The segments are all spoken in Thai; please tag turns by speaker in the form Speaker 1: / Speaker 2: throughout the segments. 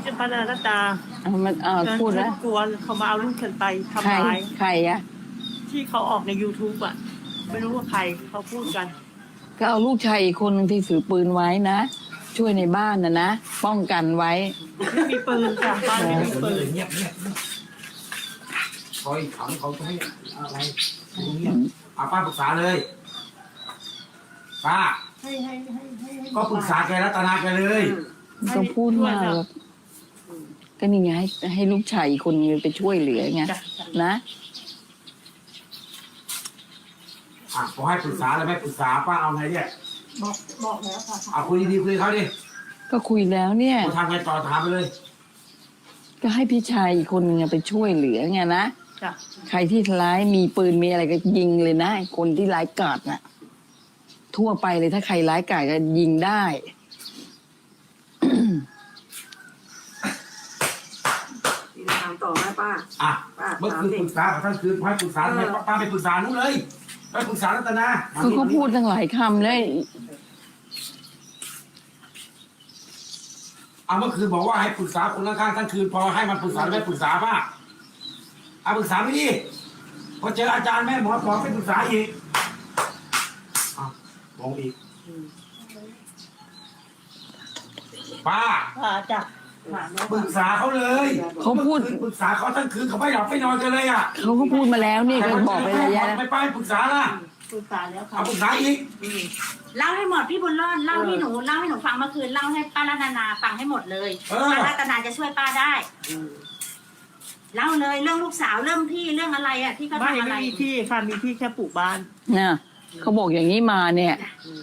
Speaker 1: เจ้าพระนารัตตา
Speaker 2: มันพูดแล้ว
Speaker 1: กลัวเขามาเอาลูกฉันไปทำ
Speaker 2: ใคร
Speaker 1: ร้าย
Speaker 2: ใครอะ
Speaker 1: ที่เขาออกใน YouTube อ่ะ ไม่รู้ว่าใครเขาพูดกัน
Speaker 2: ก็เอาลูกชายอีกคนหนึ่งที่ถือปืนไว้นะ ช่วยในบ้านนะป้องกันไว้
Speaker 1: ไม่มีปืนค่ะบ้านไม่มีปืน
Speaker 3: เงียบคอยถามเขาจะให้อะไรเงียบป้าปรึกษาเลยป้า
Speaker 1: ให้
Speaker 3: ก็ปรึกษาแกรัตนาแกเลย
Speaker 2: ไม่ต้องพูดมากหรอกก็นี่ไงให้ลูกชายอีกคนนึงไปช่วยเหลือไง
Speaker 1: จ้ะ
Speaker 2: นะ
Speaker 3: พอให้ปรึกษาแล้วไม่ปรึกษาป้าเอาไงเนี่ย
Speaker 1: บอกแล้วค่ะ
Speaker 3: เอาคุยดีๆคุยเขาดิ
Speaker 2: ก็คุยแล้วเนี่ย
Speaker 3: กูทำไงต่อถามไปเลย
Speaker 2: ก็ให้พี่ชายอีกคนนึงไปช่วยเหลือไงนะ
Speaker 1: จ้ะ
Speaker 2: ใครที่ร้ายมีปืนมีอะไรก็ยิงเลยนะไอ้คนที่ร้ายกาจน่ะ ทั่วไปเลยถ้าใครร้ายกาจก็ยิงได้
Speaker 4: ถามต่อไหมป้า
Speaker 3: เมื่อคืนปรึกษาเขาทั้งคืนให้ปรึกษาทำไมป้าไปปรึกษานู้นเลยไปปรึกษารัตนา
Speaker 2: เขาพูดตั้งหลายคำเลย
Speaker 3: เมื่อคืนบอกว่าให้ปรึกษาคนข้างๆทั้งคืนพอให้มันปรึกษาไม่ปรึกษาป้าปรึกษาไม่ดีพอเจออาจารย์แม่หมอบอกไม่ปรึกษาอีกมองอีกป้า
Speaker 1: จ้ะถามแล้ว
Speaker 3: ปรึกษาเขาเลย
Speaker 2: เขาพูด
Speaker 3: ปรึกษาเขาทั้งคืนเขาไม่หลับไม่นอนกันเลยอ่ะ
Speaker 2: เขาก็พูดมาแล้วนี่ก็บอกไประยะแล้ว
Speaker 3: ไม่ปรึกษาล่ะ
Speaker 1: ปรึกษาแล้วค่ะ
Speaker 3: ปรึกษาอีก
Speaker 4: เล่าให้หมดพี่บุญรอดเล่าให้หนูฟังเมื่อคืนเล่าให้ป้ารัตนาฟังให้หมดเลยป้ารัตนาจะช่วยป้าได้เล่าเลยเรื่องลูกสาวเรื่องที่เรื่องอะไรอ่ะที่เขา
Speaker 1: ไม่
Speaker 4: ทำอะไร
Speaker 1: มีที่ค่ะมีที่แค่ปลูกบ้าน
Speaker 2: เนี่ยเขาบอกอย่างนี้มาเนี่ย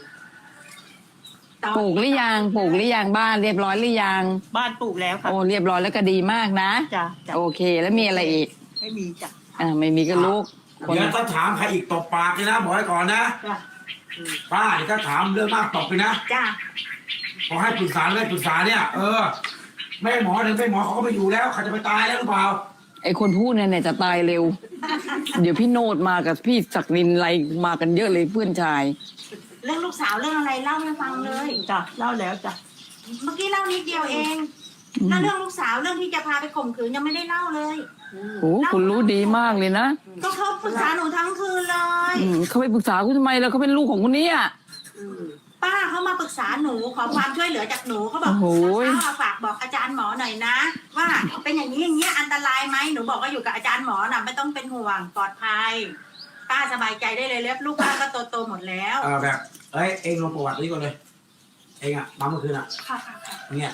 Speaker 2: ปลูกหรือยังบ้านเรียบร้อยหรือยัง
Speaker 1: บ้านปลูกแล้วค่ะ
Speaker 2: โอ้เรียบร้อยแล้วก็ดีมากนะ
Speaker 1: จ้ะ
Speaker 2: โอเคแล้วมีอะไรอีก
Speaker 1: ไม่มีจ้ะ
Speaker 2: ไม่มีก็ลูกคน
Speaker 3: เดี๋ยวถ้าถามใครอีกตบปากเลยนะบอกให้ก่อนนะ
Speaker 1: จ้ะ
Speaker 3: ป้าเดี๋ยวถ้าถามเรื่องมากตบไปนะ
Speaker 4: จ้า
Speaker 3: พอให้ปรึกษาไม่ปรึกษาเนี่ยแม่หมอถึงแม่หมอเขาก็ไม่อยู่แล้วเขาจะไปตายแล้วหรือเปล่า
Speaker 2: ไอ้คนพูดเนี่ยจะตายเร็ว เดี๋ยวพี่โนดมากับพี่ศักดินอะไรมากันเยอะเลยเพื่อนชาย
Speaker 4: เรื่องลูกสาวเรื่องอะไรเล่าให้ฟังเลย
Speaker 1: จ้ะเล่าแล้วจ้ะ
Speaker 4: เมื่อกี้เล่านิดเดียวเองแล้วเรื่องลูกสาวเรื่องที่จะพาไปข่มขืนยังไม่ได้เล่าเลย
Speaker 2: โอ้คุณรู้ดีมากเลยนะ
Speaker 4: ก็เขาปรึกษาหนูทั้งคืนเลย
Speaker 2: เขาไปปรึกษาคุณทำไมแล้วเขาเป็นลูกของคนนี้อ่ะ
Speaker 4: ป้าเขามาปรึกษาหนูขอความช่วยเหลือจากหนูเขาบอก
Speaker 2: โอ้โห
Speaker 4: ป้าฝากบอกอาจารย์หมอหน่อยนะ ว่าเป็นอย่างนี้อย่างนี้อันตรายไหมหนูบอกว่าอยู่กับอาจารย์หมอน่ะไม่ต้องเป็นห่วงปลอดภัยป้าสบายใจได้เลยเล็บลูกป้าก็โตหมดแล้ว
Speaker 3: แบบเองลงประวัตินี้ก่อนเลยเองมาเมื่อคืนเนี่ย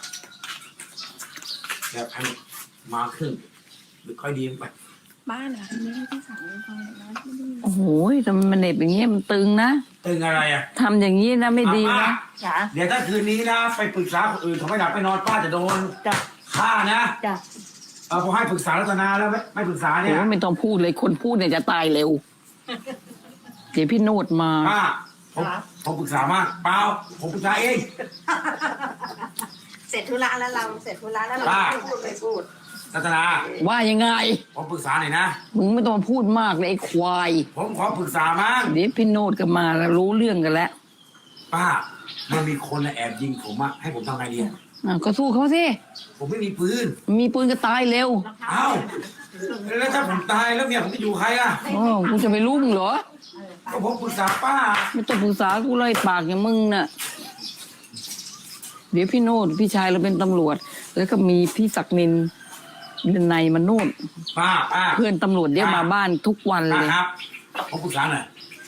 Speaker 3: แบบให้มาขึ้นหรือค่อยดีไป
Speaker 4: บ้านเหรอไม่ได้ที่สั่งเลยฟังนะที่นี่
Speaker 2: โอ้โหทำไมมันเหน็บอย่างเงี้ยมันตึงนะ
Speaker 3: ตึงอะไรอ่ะ
Speaker 2: ทำอย่างนี้นะไม่ดีนะ
Speaker 1: จ้ะ
Speaker 3: เดี๋ยวถ้าคืนนี้นะไปปรึกษาคนอื่นเขาไม่หลับไม่นอนป้าจะโดน
Speaker 1: จ้ะ
Speaker 3: ฆ่านะ
Speaker 1: จ้ะ
Speaker 3: พอให้ปรึกษารัตนาแล้วไม่ปรึกษาเนี่ย
Speaker 2: โอ้ไม่ต้องพูดเลยคนพูดเนี่ยจะตายเร็ว เดี๋ยวพี่โนดมา
Speaker 3: ป้าผมปรึกษามากเปล่าผมปรึกษาเอง
Speaker 4: เสร็จธุระแล้วเราเสร็จธุระแล้วเรา
Speaker 3: ป้า
Speaker 4: พูด
Speaker 3: รัตนา
Speaker 2: ว่ายังไง
Speaker 3: ผมปรึกษาหน่อยนะ
Speaker 2: มึงไม่ต้องมาพูดมากเลยไอ้ควาย
Speaker 3: ผมขอปรึกษามั้ง
Speaker 2: เดี๋ยวพี่โนดก็มาแล้วรู้เรื่องกันแล้ว
Speaker 3: ป้ามันมีคนแอบยิงผมอะให้ผมทำไงดี
Speaker 2: ก็สู้เขาสิ
Speaker 3: ผมไม่มีปืน
Speaker 2: มีปืนก็ตายเร็ว
Speaker 3: เอ้าแล้วถ้าผมตายแล้วเนี่ยผมจะอยู่ใครอะ
Speaker 2: อ๋อกูจะไปรู้มึงเหรอ
Speaker 3: ก็ผมปรึกษาป้า
Speaker 2: ไม่ต้องปรึกษากูเลยปากอย่างมึงน่ะ เดี๋ยวพี่โนดพี่ชายเราเป็นตำรวจ แล้วก็มีพี่ศักดินเดินในมาโนด
Speaker 3: ป้า
Speaker 2: เพื่อนตำรวจเดี๋ยวมาบ้านทุกวัน
Speaker 3: ป้า
Speaker 2: เลย
Speaker 3: ครับ ผมปรึกษาหน่อย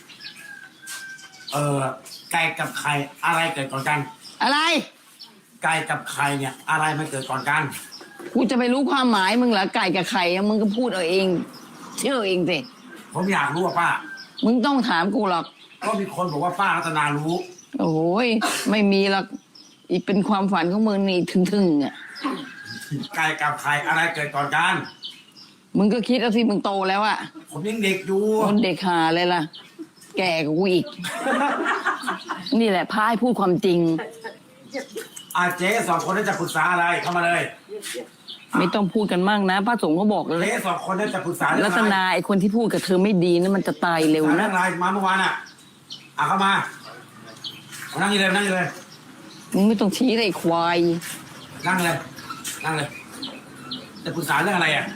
Speaker 3: ไก่กับไข่อะไรเกิดก่อนกัน
Speaker 2: อะไร
Speaker 3: ไก่กับไข่เนี่ย อะไรมันเกิดก่อนกัน
Speaker 2: กูจะไปรู้ความหมายมึงเหรอไก่กับไข่อะมึงก็พูดเอาเอง เชื่อเองสิ
Speaker 3: ผมอยากรู้ว่าป้า
Speaker 2: มึงต้องถามกูหรอก
Speaker 3: ก็มีคนบอกว่าป้ารัตนารู้
Speaker 2: โอ้ยไม่มีหรอกอีกเป็นความฝันของมึงนี่ถึงอ่ะ
Speaker 3: ไก่กับไข่อะไรเกิดก่อนกัน
Speaker 2: มึงก็คิดเอาสิมึงโตแล้วอะ
Speaker 3: ผมยังเด็กอยู่
Speaker 2: คนเด็กหาเลยล่ะ แก่กว่ากูอีก นี่แหละพายพูดความจริง
Speaker 3: เจ๊สองคนนั้นจะปรึกษาอะไรเข้ามาเลย
Speaker 2: ไม่ต้องพูดกันมากนะพระสงฆ์ก็บอกเลย
Speaker 3: เจ๊สองคนนั้นจะปรึกษาเรื่
Speaker 2: ลั
Speaker 3: อง
Speaker 2: ต
Speaker 3: อะไร
Speaker 2: นาไอคนที่พูดกับเธอไม่ดีนะมันจะตายเร็ว
Speaker 3: เรื่
Speaker 2: นะ
Speaker 3: องอะไรมาเมื่อวานเข้ามานั่งอยู่เลย
Speaker 2: มึงไม่ต้องชี้เลยไอ้ควาย
Speaker 3: นั่งเลยนั่งเลยจะปรึกษาเรื่องอะไรอ่ะ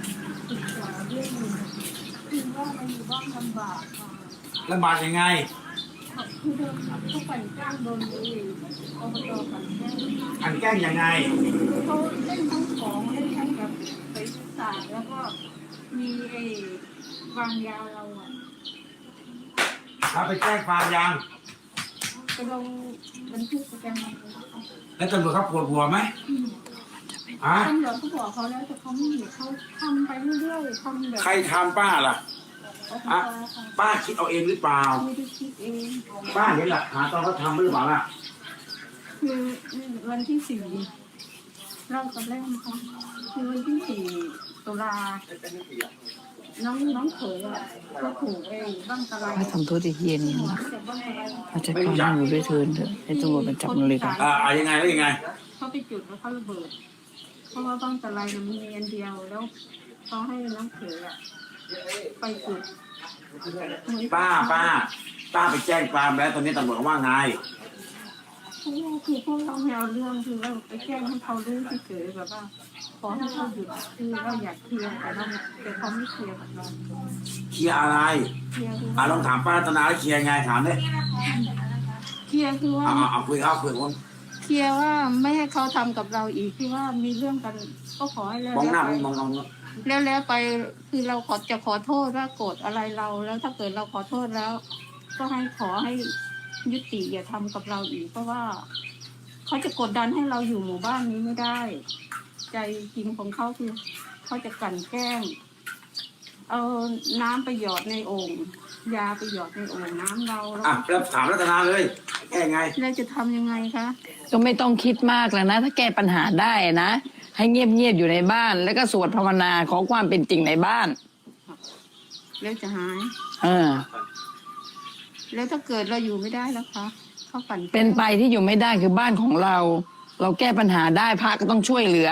Speaker 5: คือว่าเราอยู่บ้านลำบากค่ะ
Speaker 3: ลำบากยังไง
Speaker 5: คือเดินเข้าไปจ้างโดนอบตกันแก้
Speaker 3: อันแกล้งยังไง
Speaker 5: เขาเล่นทั้งของเล่นทั้งแบบไปศาสตร์แล้วก็มีไอ้วางยาเราอ่ะ
Speaker 3: เราไปแจ้งความยัง
Speaker 5: ไปลงบันทึกประจำวันไว้ค่ะ
Speaker 3: แล้วตำรวจเขาปวดหัวไหมฮะ
Speaker 5: ตำรวจก็บอกเขาแล้วแต่เขาไม่เห็นเขาทำไปเรื่อยๆทำแบบ
Speaker 3: ใครทำป้าล่ะ
Speaker 5: อบต
Speaker 3: อะ
Speaker 5: ค่ะ
Speaker 3: ป้าคิดเอาเองหรือเปล่า
Speaker 5: ไม่ได้คิดเอง
Speaker 3: ป้าเห็นหลักฐานตอนเขาทำหรือเปล่าล่ะ
Speaker 5: คือวันที่4เล่ากับแรกนะคะคือวันที่4 ตุลาน้องเขยอ่ะก็ถูกบ้างตะไล
Speaker 2: ให้ทำโทษไอ้เฮียนี่นะ
Speaker 5: เจ็บบ้างตะไล
Speaker 2: มาจัดการให้หนูด้วยเถินเถอะให้ตำรวจมาจับมันเลยกัน
Speaker 3: ยังไงแล้วยังไง
Speaker 5: เขาไปจุดแล้วเขาระเบิด เพราะว่าบ้างตะไลน่ะมีอันเดียวแล้วเขาให้น้องเขยอ่ะไปจุด
Speaker 3: ป้าไปแจ้งความแล้วตอนนี้ตำรวจเขาว่าไง
Speaker 5: คือพวกเราแนวเรื่องคือเราไปแจ้งให้เขารู้ที่เกิดแบบว่าขอให้เขาหยุดคือเราอยากเคลียร์แต่เขาไม่เคลียร์กับเรา
Speaker 3: เคลียร์อะไร
Speaker 5: เคลียร์คือ
Speaker 3: ลองถามป้ารัตนาแล้วเคลียร์ไงถามดิ
Speaker 5: เคลียร์คือว่า
Speaker 3: เอาคุยเขาคุยคน
Speaker 5: เคลียร์ว่าไม่ให้เขาทำกับเราอีกที่ว่ามีเรื่องกันก็ขอให้แล้ว
Speaker 3: มองหน้า
Speaker 5: ไป
Speaker 3: มอง
Speaker 5: แล้วไปคือเราจะขอโทษว่าโกรธอะไรเรา แล้วถ้าเกิดเราขอโทษแล้ว ก็ขอให้ยุติอย่าทำกับเราอีก เพราะว่าเขาจะกดดันให้เราอยู่หมู่บ้านนี้ไม่ได้ ใจจริงของเขาคือเขาจะกลั่นแกล้งเอาน้ำไปหยอดในโอ่งยาไปหยอดในโอ่งน้ำเราแล้ว
Speaker 3: แล้วถามรัตนาเลยแก้ไง
Speaker 5: แล้วจะทำยังไงคะ
Speaker 2: ก็ไม่ต้องคิดมากแล้วนะ ถ้าแก้ปัญหาได้นะ ให้เงียบๆอยู่ในบ้าน แล้วก็สวดภาวนาขอความเป็นจริงในบ้าน
Speaker 5: แล้วจะหาย
Speaker 2: เออ
Speaker 5: แล้วถ้าเกิดเราอยู่ไม่ได้แล้วคะเขากลั่นแกล้ง
Speaker 2: เป็นไปที่อยู่ไม่ได้คือบ้านของเรา เราแก้ปัญหาได้พระก็ต้องช่วยเหลือ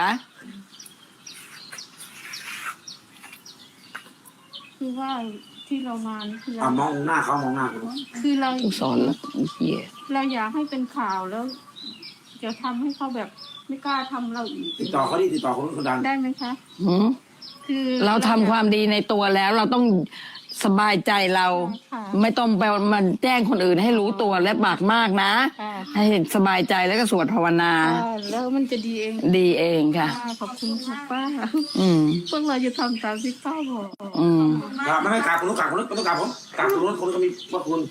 Speaker 5: คือว่าที่เรามานี่คือเรา
Speaker 3: มองหน้าเขามองหน้าคุณ
Speaker 5: คือเรา
Speaker 2: กูสอนแล้วไอ้เหี้ย
Speaker 5: เราอยากให้เป็นข่าวแล้วจะทำให้เขาแบบไม่กล้าทำเราอีก
Speaker 3: ติดต่อเขาดิติดต่อคนนู้นคนดัง
Speaker 5: ได้ไหมคะ
Speaker 2: หืม
Speaker 5: คือ
Speaker 2: เราทำความดีในตัวแล้ว เราต้องสบายใจเรา
Speaker 5: ค่ะ
Speaker 2: ไม่ต้องไปมันแจ้งคนอื่นให้รู้ตัวและปากมากนะ
Speaker 5: ค่ะ
Speaker 2: ให้สบายใจแล้วก็สวดภาวนา
Speaker 5: แล้วมันจะดีเอง
Speaker 2: ดีเองค่ะ
Speaker 5: ขอบคุณค่ะป้า
Speaker 2: อืม
Speaker 5: พวกเราจะทำตามที่ป้าบอก
Speaker 2: อืม
Speaker 3: ไม่กราบคนนู้นกราบคนนู้นไม่ต้องกราบผมกราบคนนู้นคนนู้นก็มีว่าคุณ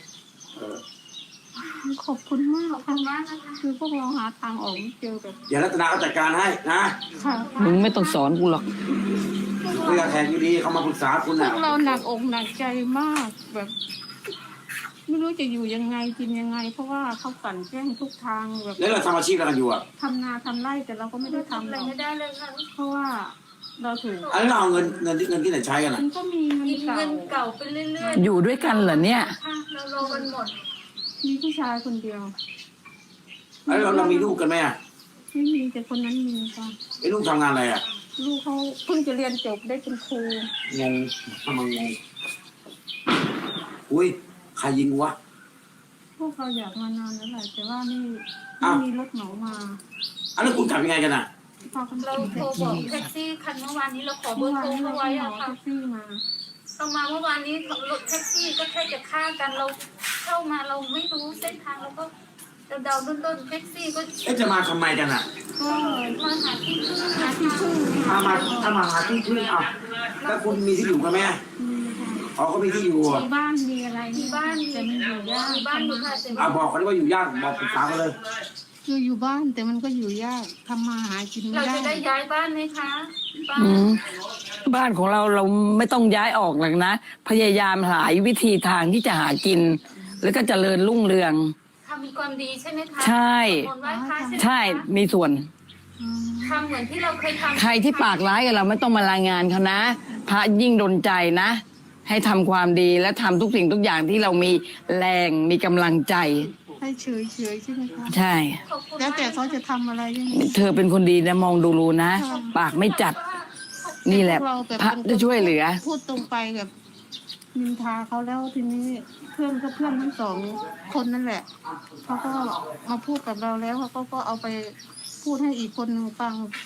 Speaker 5: ขอบคุณมากค่ะคือพวกเราหาทางออกไม่เจอแบบ
Speaker 3: เดี๋ยวรัตนาเขาจัดการให้นะ
Speaker 5: ค่ะ
Speaker 2: มึงไม่ต้องสอนกูหรอก
Speaker 3: คุยกับแทนอยู่ดีเขามาปรึกษาคุณ
Speaker 5: พว
Speaker 3: น่ะ
Speaker 5: กเราหนักอกหนักใจมากแบบ ไม่รู้จะอยู่ยังไงกินยังไง เพราะว่าเขากลั่นแกล้งทุกทางแบบ
Speaker 3: แล้วเราทำอาชีพอะไรกันอยู่อ่ะ
Speaker 5: ทำนาทำไร่แต่เราก็ไม่ได้ทำหรอก
Speaker 4: ไม่ได้เลยค่ะ
Speaker 5: เพราะว่าเราถูก
Speaker 3: อันนี้เราเอาเงินที่ไหนใช้กันอ่ะ
Speaker 5: มันก็มีเงิน
Speaker 4: กิน
Speaker 5: เก่า
Speaker 4: เงินเก่าไปเรื่อย
Speaker 2: อยู่ด้วยกันเหรอเนี่ย
Speaker 4: ๆค่ะเรารอกันหมด
Speaker 5: มีผู้ชายคนเดียว
Speaker 3: แล้วเรามีลูกกันไหมอ่ะ
Speaker 5: ไม่มีแต่คนนั้นมีค่ะ
Speaker 3: ไอ้ลูกทำงานอะไรอ่ะ
Speaker 5: ลูกเขาเพิ่งจะเรียนจบได้เป็นครู
Speaker 3: งงทำไมงงอุ้ยใครยิงวะ
Speaker 5: พวกเราอยากมานานแล้วแหละแต่ว่าไม่
Speaker 3: อ้าว
Speaker 5: มีรถเหมามา
Speaker 3: อันนั้นคุณกลับยังไงกันอ่ะ
Speaker 5: พากัน
Speaker 4: เราโทรบอกแท็กซี่คันเมื่อวานนี้เราขอเบอ
Speaker 5: เมื่อ
Speaker 4: ร์
Speaker 5: วาน
Speaker 4: โทร
Speaker 5: นี้เรา
Speaker 4: เขาไว้
Speaker 5: เหมา
Speaker 4: อะค่ะ
Speaker 5: แท็กซี่มา
Speaker 4: เรามาเมื่อวานนี้รถแท็กซี่ก็แค่จะฆ่ากันเราเข้ามาเราไม่รู้เส้นทางเราก็เดาๆต้นๆแท็กซี่ก็
Speaker 3: จะมาทำไมกันอ่ะ
Speaker 5: ก็
Speaker 4: มาหาที่พึ่ง
Speaker 5: หาที่พึ่ง
Speaker 3: ถ้ามาหาที่พึ่งเอาแล้วคุณมีที่อยู่กันไหม
Speaker 5: มีค่ะ
Speaker 3: อ๋อเขามีที่อยู่อ่ะ
Speaker 5: มีบ้านมีอะไร
Speaker 4: มีบ้าน
Speaker 5: แต่มันอยู่ยาก
Speaker 4: มีบ้านอยู่ค่ะแต่
Speaker 3: บอกเขาได้ว่าอยู่ยากบอกปรึกษากันเลย
Speaker 5: คืออยู่บ้านแต่มันก็อยู่ยากทำมาหากินไม่
Speaker 4: เรา
Speaker 5: ได้
Speaker 4: จะได้ย้ายบ้านไหมคะบ้าน
Speaker 2: อืมบ้านของเราไม่ต้องย้ายออกหรอกนะ พยายามหาวิธีทางที่จะหากิน แล้วก็เจริญรุ่งเรือง
Speaker 4: ทำมีความดีใช่ไหมคะ
Speaker 2: ใช่
Speaker 4: สวดมนต์ไหว้พระใช่ไหมคะ
Speaker 2: ใช่มีส่วน
Speaker 5: อืม
Speaker 4: ทำเหมือนที่เราเคยทำ
Speaker 2: ใครที่ปากร้ายกับเราไม่ต้องมารายงานเขานะ พระยิ่งดลใจนะ ให้ทำความดีและทำทุกสิ่งทุกอย่างที่เรามีแรงมีกำลังใจ
Speaker 5: ให้เฉยใช่ไหมคะ
Speaker 2: ใช่
Speaker 4: ขอบคุณ
Speaker 5: แล้วแต่เขาจะทำอะไรยังไง
Speaker 2: เธอเป็นคนดีนะมองดูรู้นะ ปากไม่จัด นี่แหละ
Speaker 5: พวกเราแบบ
Speaker 2: พระจะช่วยเหลือ
Speaker 5: พูดตรงไปแบบนินทาเขาแล้วทีนี้เพื่อนก็เพื่อนทั้งสองคนนั่นแหละเขาก็มาพูดกับเราแล้วเขาก็เอาไปพูดให้อีกคนหนึ่งฟัง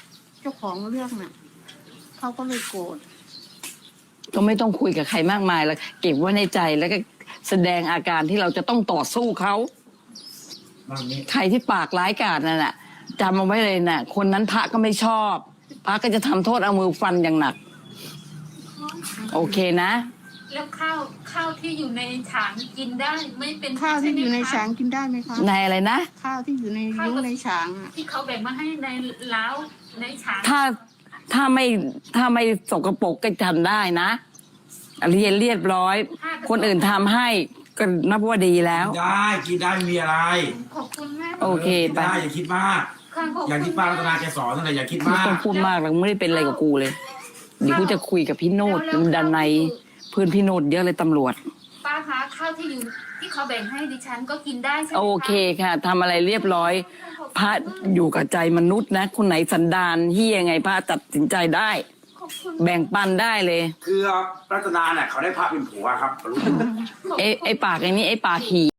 Speaker 5: เจ้าของเรื่องน่ะเขาก็เลยโกรธ
Speaker 2: ก็ไม่ต้องคุยกับใครมากมายแล้วเก็บไว้ในใจแล้วก็แสดงอาการที่เราจะต้องต่อสู้เขา ใครที่ปากร้ายกาจนั่นน่ะจำเอาไว้เลยน่ะ คนนั้นพระก็ไม่ชอบพระก็จะทำโทษเอามือฟันอย่างหนัก โอเคนะ
Speaker 6: แล้วข้าวที่อยู่ในฉางกินได้ไม่เป็น
Speaker 5: ข้าวที่อยู่ใน
Speaker 6: ช่ไหมคะ
Speaker 5: ฉางกินได้ไหมคะ
Speaker 2: ในอะไรนะ
Speaker 5: ข้าวที่อยู่ในยุ้งในฉางอะ
Speaker 6: ที่เขาแบ่งมาให้ในเล้าในฉาง
Speaker 2: ถ้าไม่สกปรกก็ทำได้นะเรียบร้อย คนอื่นทำให้ก็นับว่าดีแล้ว
Speaker 3: ได้กินได้ไม่มีอะไร
Speaker 6: ขอบคุณแม่
Speaker 2: โอเค
Speaker 3: กิน
Speaker 2: ไป
Speaker 3: ได้อย่าคิดมาก
Speaker 6: ค่ะขอบ
Speaker 3: อย่าง
Speaker 6: คุณ
Speaker 3: ที่ป้ารัตนาแกสอนนั่นแหละอย่าคิด
Speaker 2: ไม่
Speaker 3: มาก
Speaker 2: ต้องพูดมากหรอกไม่ได้เป็นอะไรกับกูเลย เดี๋ยวกูจะคุยกับพี่โนดดันในเพื่อนพี่โนดเยอะเลยตำรวจ
Speaker 6: ป้าคะข้าวที่อยู่ที่เขาแบ่งให้ดิฉันก็กินได้ใช่ไหมะ
Speaker 2: โอเคค่ะทำอะไรเรียบร้อย พระอยู่กับใจมนุษย์นะ คนไหนสันดานเฮียไงพระตัดสินใจได้
Speaker 6: ขอบคุณ
Speaker 2: แบ่งปันได้เลย
Speaker 3: คือรัตนาเนี่ยเขาได้พระเป็นผัวครับรู้
Speaker 2: ไอ้ปากไอ้นี้ไอ้ปากหี